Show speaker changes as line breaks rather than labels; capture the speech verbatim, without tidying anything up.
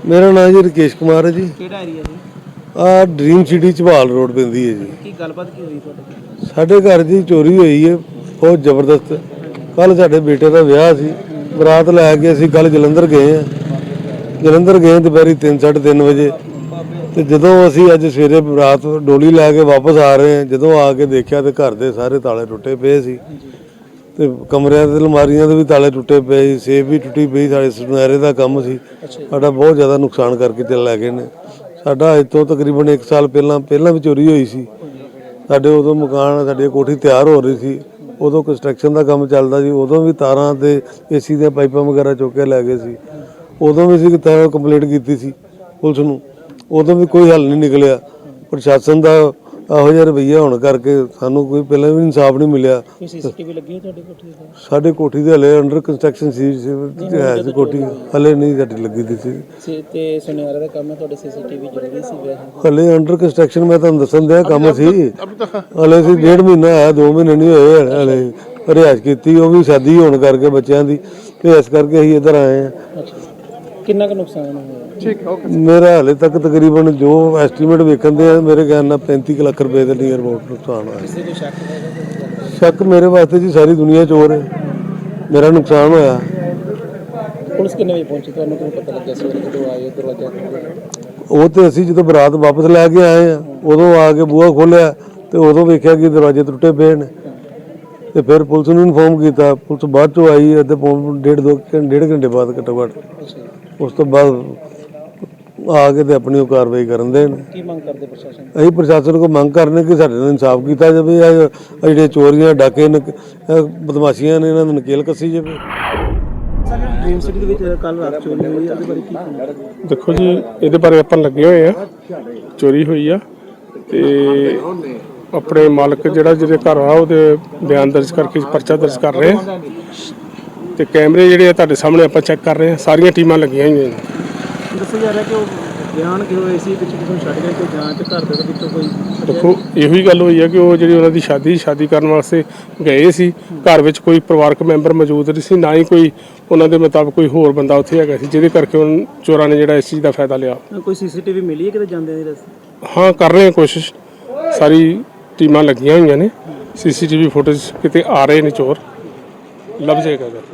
मेरा नाम जी राकेश कुमार है जी।
ਕਿਹੜਾ ਏਰੀਆ ਜੀ?
आ ड्रीम सिटी ਝਬਾਲ रोड ਪੈਂਦੀ है जी।
ਕੀ ਗੱਲਬਾਤ ਕੀ ਹੋਈ ਤੁਹਾਡੇ?
ਸਾਡੇ घर जी चोरी हुई है बहुत ਜ਼ਬਰਦਸਤ। कल ਸਾਡੇ बेटे का ਵਿਆਹ ਸੀ, ਬਰਾਤ ਲੈ ਕੇ ਅਸੀਂ ਕੱਲ ਜਲੰਧਰ ਗਏ ਆ। ਜਲੰਧਰ ਗਏ ਦੁਪਹਿਰੀ ਤਿੰਨ ਸਾਢੇ ਤਿੰਨ ਵਜੇ ਤੇ ਜਦੋਂ ਅਸੀਂ ਅੱਜ ਸਵੇਰੇ ਬਰਾਤ ਡੋਲੀ ਲੈ ਕੇ ਵਾਪਸ ਆ ਰਹੇ ਹਾਂ, ਜਦੋਂ ਆ ਕੇ ਦੇਖਿਆ ਤੇ ਘਰ ਦੇ ਸਾਰੇ ਤਾਲੇ ਟੁੱਟੇ ਪਏ ਸੀ ਤੇ ਕਮਰਿਆਂ ਦੇ ਅਲਮਾਰੀਆਂ ਦੇ ਵੀ ਤਾਲੇ ਟੁੱਟੇ ਪਏ ਸੀ, ਸੇਫ ਵੀ ਟੁੱਟੀ ਪਈ। ਸਾਡੇ ਸੁਨਹਿਰੇ ਦਾ ਕੰਮ ਸੀ, ਸਾਡਾ ਬਹੁਤ ਜ਼ਿਆਦਾ ਨੁਕਸਾਨ ਕਰਕੇ ਚੱਲ ਲੈ ਗਏ ਨੇ। ਸਾਡਾ ਅੱਜ ਤੋਂ ਤਕਰੀਬਨ ਇੱਕ ਸਾਲ ਪਹਿਲਾਂ ਪਹਿਲਾਂ ਵੀ ਚੋਰੀ ਹੋਈ ਸੀ। ਸਾਡੇ ਉਦੋਂ ਮਕਾਨ ਸਾਡੀ ਕੋਠੀ ਤਿਆਰ ਹੋ ਰਹੀ ਸੀ, ਉਦੋਂ ਕੰਸਟਰਕਸ਼ਨ ਦਾ ਕੰਮ ਚੱਲਦਾ ਸੀ, ਉਦੋਂ ਵੀ ਤਾਰਾਂ ਤੇ ਏਸੀ ਦੀਆਂ ਪਾਈਪਾਂ ਵਗੈਰਾ ਚੁੱਕ ਕੇ ਲੈ ਗਏ ਸੀ। ਉਦੋਂ ਵੀ ਅਸੀਂ ਤਾਂ ਕੰਪਲੇਂਟ ਕੀਤੀ ਸੀ ਪੁਲਿਸ ਨੂੰ, ਉਦੋਂ ਵੀ ਕੋਈ ਹੱਲ ਨਹੀਂ ਨਿਕਲਿਆ। ਪ੍ਰਸ਼ਾਸਨ ਦਾ ਇਹੋ ਜਿਹਾ ਰਵੱਈਆ ਹੋਣ ਕਰਕੇ ਸਾਨੂੰ ਕੋਈ ਪਹਿਲਾਂ ਵੀ ਇਨਸਾਫ ਨਹੀਂ ਮਿਲਿਆ।
ਕੋਈ ਸੀਸੀਟੀਵੀ ਲੱਗੀ ਹੈ ਤੁਹਾਡੀ ਕੋਠੀ ਤੇ?
ਸਾਡੇ ਕੋਠੀ ਦੇ ਹਲੇ ਅੰਡਰ ਕੰਸਟਰਕਸ਼ਨ ਸੀ, ਹੈ ਸੀ ਕੋਠੀ, ਹਲੇ ਨਹੀਂ ਸਾਡੀ ਲੱਗੀ ਦੀ ਸੀ।
ਤੇ ਸੁਨਿਆਰੇ ਦਾ ਕੰਮ ਹੈ, ਤੁਹਾਡੇ ਸੀਸੀਟੀਵੀ ਜ਼ਰੂਰੀ ਸੀ?
ਹਲੇ ਅੰਡਰ ਕੰਸਟਰਕਸ਼ਨ ਮੈਂ ਤੁਹਾਨੂੰ ਦੱਸਣ ਦਿਆ ਕੰਮ ਸੀ, ਹਲੇ ਸੀ ਡੇਢ ਮਹੀਨਾ ਆਇਆ, ਦੋ ਮਹੀਨੇ ਨਹੀਂ ਹੋਏ ਹਲੇ। ਰਿਹਾਇਸ਼ ਕੀਤੀ, ਉਹ ਵੀ ਸ਼ਾਦੀ ਹੋਣ ਕਰਕੇ ਬੱਚਿਆਂ ਦੀ, ਤੇ ਇਸ ਕਰਕੇ ਅਸੀਂ ਇੱਧਰ ਆਏ ਹਾਂ।
ਕਿੰਨਾ ਕੁ ਨੁਕਸਾਨ ਹੋਇਆ?
ਮੇਰਾ ਹਾਲੇ ਤੱਕ ਤਕਰੀਬਨ ਜੋ ਐਸਟੀਮੇਟ ਵੇਖਣ ਦੇ ਆ, ਮੇਰੇ ਖਿਆਲ ਨਾਲ ਪੈਂਤੀ ਲੱਖ ਰੁਪਏ ਦੇ ਨੀਅਰ ਅਬਾਊਟ ਨੁਕਸਾਨ ਹੋਇਆ।
ਕਿਸੇ ਦੇ ਸ਼ੱਕ ਹੈ?
ਸ਼ੱਕ ਮੇਰੇ ਵਾਸਤੇ ਜੀ ਸਾਰੀ ਦੁਨੀਆ ਚੋਰ ਹੈ। ਮੇਰਾ ਨੁਕਸਾਨ ਹੋਇਆ।
ਪੁਲਿਸ ਕਿੰਨੇ ਵਜੇ ਪਹੁੰਚੀ? ਤੁਹਾਨੂੰ ਕਿਵੇਂ ਪਤਾ ਲੱਗਿਆ ਸਵੇਰੇ ਜਦੋਂ ਆਏ ਦਰਵਾਜ਼ਾ ਖੋਲ੍ਹਿਆ?
ਉਹ ਤੇ ਅਸੀਂ ਜਦੋਂ ਬਰਾਤ ਵਾਪਸ ਲੈ ਕੇ ਆਏ ਆ, ਉਦੋਂ ਆ ਕੇ ਬੂਹਾ ਖੋਲ੍ਹਿਆ ਤੇ ਉਦੋਂ ਵੇਖਿਆ ਕਿ ਦਰਵਾਜ਼ੇ ਟੁੱਟੇ ਪਏ ਨੇ ਤੇ ਫਿਰ ਪੁਲਿਸ ਨੂੰ ਇਨਫੋਰਮ ਕੀਤਾ। ਪੁਲਿਸ ਬਾਅਦ ਚੋਂ ਆਈ, ਅੱਧੇ ਪੌਣ ਡੇਢ ਦੋ ਡੇਢ ਘੰਟੇ ਬਾਅਦ ਘੱਟੋ ਘੱਟ। ਉਸ ਤੋਂ ਬਾਅਦ ਆ ਕੇ ਤੇ ਆਪਣੀ ਉਹ ਕਾਰਵਾਈ ਕਰਨ ਦੇ ਨੇ।
ਕੀ ਮੰਗ ਕਰਦੇ ਪ੍ਰਸ਼ਾਸਨ?
ਅਸੀਂ ਪ੍ਰਸ਼ਾਸਨ ਕੋਲ ਮੰਗ ਕਰਨੇ ਕਿ ਸਾਡੇ ਨਾਲ ਇਨਸਾਫ ਕੀਤਾ ਜਾਵੇ। ਇਹ ਜਿਹੜੇ ਚੋਰੀਆਂ ਡਾਕੇ ਬਦਮਾਸ਼ੀਆਂ ਨੇ, ਇਹਨਾਂ ਨੂੰ ਨਕੇਲ ਕੱਸੀ ਜਾਵੇ।
ਡ੍ਰੀਮ ਸਿਟੀ ਦੇ ਵਿੱਚ ਕੱਲ ਰਾਤ ਚੋਰੀ ਹੋਈ, ਉਹਦੇ ਬਾਰੇ ਕੀ ਕਹਿਣਾ?
ਦੇਖੋ ਜੀ, ਇਹਦੇ ਬਾਰੇ ਆਪਾਂ ਲੱਗੇ ਹੋਏ ਆ। ਚੋਰੀ ਹੋਈ ਆ ਤੇ ਆਪਣੇ ਮਾਲਕ ਜਿਹੜਾ ਜਿਹਦੇ ਘਰ ਆ ਉਹਦੇ ਬਿਆਨ ਦਰਜ ਕਰਕੇ ਪਰਚਾ ਦਰਜ ਕਰ ਰਹੇ ਆ ਤੇ ਕੈਮਰੇ ਜਿਹੜੇ ਆ ਤੁਹਾਡੇ ਸਾਹਮਣੇ ਆਪਾਂ ਚੈੱਕ ਕਰ ਰਹੇ ਆ। ਸਾਰੀਆਂ ਟੀਮਾਂ ਲੱਗੀਆਂ ਹੋਈਆਂ ਨੇ।
ਦੱਸਿਆ ਜਾ ਰਿਹਾ ਕਿ ਉਹ ਬਿਆਨ ਕਿ ਹੋਏ ਸੀ ਪਿੱਛੇ ਕਿਸੇ ਨੂੰ ਛੱਡ ਗਏ, ਕੋਈ ਜਾਂਚ ਘਰ ਦੇ ਵਿੱਚੋਂ ਕੋਈ?
ਦੇਖੋ, ਇਹੋ ਹੀ ਗੱਲ ਹੋਈ ਆ ਕਿ ਉਹ ਜਿਹੜੀ ਉਹਨਾਂ ਦੀ ਸ਼ਾਦੀ ਸ਼ਾਦੀ ਕਰਨ ਵਾਸਤੇ ਗਏ ਸੀ, ਘਰ ਵਿੱਚ ਕੋਈ ਪਰਿਵਾਰਕ ਮੈਂਬਰ ਮੌਜੂਦ ਨਹੀਂ ਸੀ, ਨਾ ਹੀ ਕੋਈ ਉਹਨਾਂ ਦੇ ਮੁਤਾਬਕ ਕੋਈ ਹੋਰ ਬੰਦਾ ਉੱਥੇ ਹੈਗਾ ਸੀ, ਜਿਹਦੇ ਕਰਕੇ ਉਹਨਾਂ ਚੋਰਾਂ ਨੇ ਜਿਹੜਾ ਇਸ ਚੀਜ਼ ਦਾ ਫਾਇਦਾ ਲਿਆ।
ਕੋਈ ਸੀਸੀਟੀਵੀ ਮਿਲੀ ਹੈ ਕਿਤੇ ਜਾਂਦੇ ਦੀ ਰਸਤੇ?
ਹਾਂ, ਕਰ ਰਹੇ ਆ ਕੋਸ਼ਿਸ਼। ਸਾਰੀ ਟੀਮਾਂ ਲੱਗੀਆਂ ਹੋਈਆਂ ਨੇ। ਸੀਸੀਟੀਵੀ ਫੁਟੇਜ ਕਿਤੇ ਆ ਰਹੇ ਨੇ, ਚੋਰ ਲੱਭ ਜਾਏਗਾ।